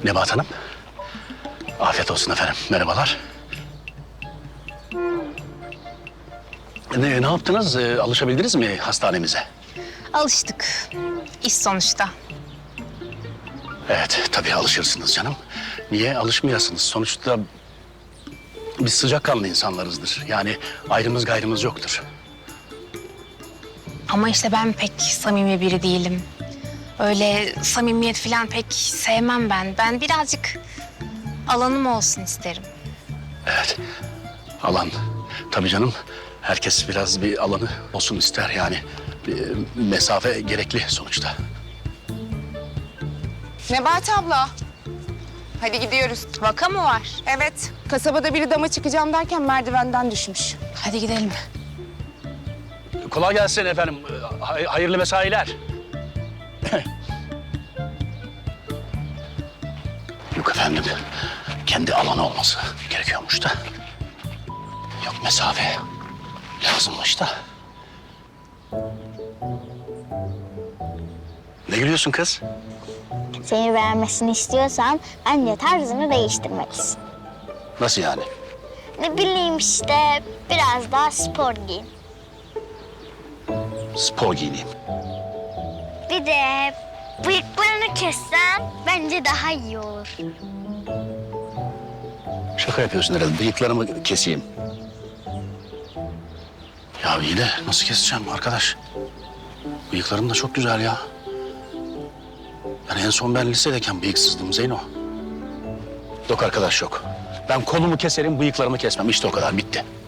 Nebahat Hanım. Afiyet olsun efendim. Merhabalar. Ne yaptınız? Alışabildiniz mi hastanemize? Alıştık. İş sonuçta. Evet, tabii alışırsınız canım. Niye alışmayasınız? Sonuçta biz sıcakkanlı insanlarızdır. Yani ayrımız gayrımız yoktur. Ama işte ben pek samimi biri değilim. Öyle samimiyet falan pek sevmem ben. Ben birazcık alanım olsun isterim. Evet, alan. Tabii canım, herkes biraz bir alanı olsun ister yani. Bir mesafe gerekli sonuçta. Nebahat abla. Hadi gidiyoruz. Vaka mı var? Evet. Kasabada biri dama çıkacağım derken merdivenden düşmüş. Hadi gidelim. Kolay gelsin efendim. Hayırlı mesailer. Yok efendim, kendi alanı olması gerekiyormuş da. Yok mesafe lazımmış da. Ne gülüyorsun kız? Seni beğenmesini istiyorsan bence tarzını değiştirmelisin. Nasıl yani? Ne bileyim işte biraz daha spor giyin. Spor giyineyim. Bir de bıyıklarını kessen bence daha iyi olur. Şaka yapıyorsun herhalde. Bıyıklarımı keseyim. Ya iyi de nasıl keseceğim arkadaş? Bıyıklarım da çok güzel ya. Yani en son ben lisedeyken bıyıksızdım Zeyno. Yok arkadaş yok. Ben kolumu keserim, bıyıklarımı kesmem. İşte o kadar, bitti.